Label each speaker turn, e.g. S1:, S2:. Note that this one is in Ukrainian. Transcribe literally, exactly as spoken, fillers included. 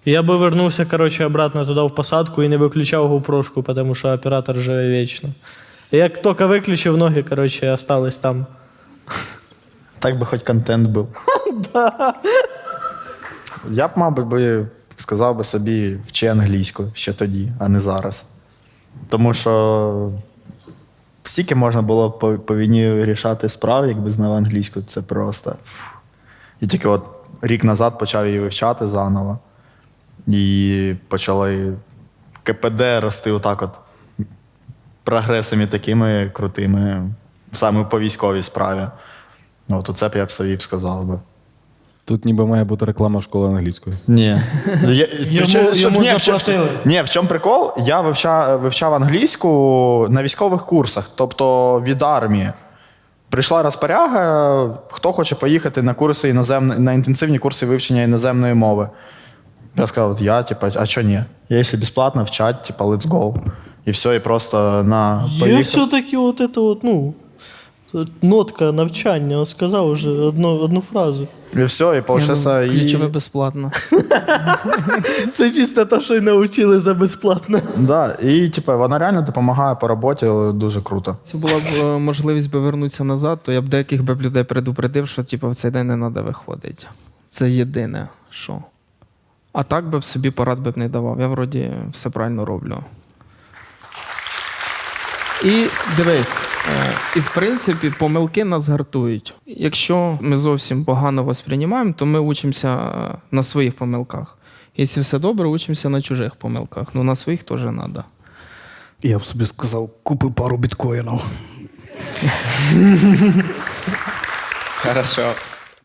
S1: Я бы вернулся, короче, обратно туда в посадку и не выключал гоупрошку, потому что оператор живе вечно. И я только выключив ноги, короче, осталось там.
S2: Так би хоч контент був. Я б, мабуть, би сказав би собі, вчи англійську ще тоді, а не зараз. Тому що стільки можна було по, по війні рішати справ, якби знав англійську, це просто. І тільки от рік назад почав її вивчати заново. І почали КПД рости отак от прогресами такими крутими, саме по військовій справі. От оце б я б собі б сказав би.
S3: Тут ніби має бути реклама школи англійської.
S2: Ні. Я,
S1: Йому,
S2: причому, щоб-
S1: йому
S2: ні, в чому-
S1: заплатили.
S2: Ні, в чому прикол? Я вивчав, вивчав англійську на військових курсах, тобто від армії. Прийшла розпоряга, хто хоче поїхати на курси іноземної, на інтенсивні курси вивчення іноземної мови. Я сказав, от я, типа, а що ні? Якщо безплатно вчать, типа, let's go. І все, і просто на
S1: Я
S2: поїхав.
S1: все-таки вот это вот, ну, нотка навчання, он сказав уже одну, одну фразу.
S2: І все, і получився. І...
S4: Ключове безплатно.
S1: Це чисто те, що й навчили за безплатно.
S2: Да, і типа, вона реально допомагає по роботі дуже круто.
S4: Це була б е, можливість би вернутися назад, то я б деяких би б людей предупредив, що типу, в цей день не треба виходити. Це єдине, що. А так би б собі порад би б не давав. Я вроді все правильно роблю. І дивись, е, і в принципі помилки нас гартують. Якщо ми зовсім погано восприймаємо, то ми учимося на своїх помилках. Якщо все добре, учимося на чужих помилках. Ну на своїх теж треба.
S5: Я б собі сказав, купи пару біткоїнів.
S4: Хорошо.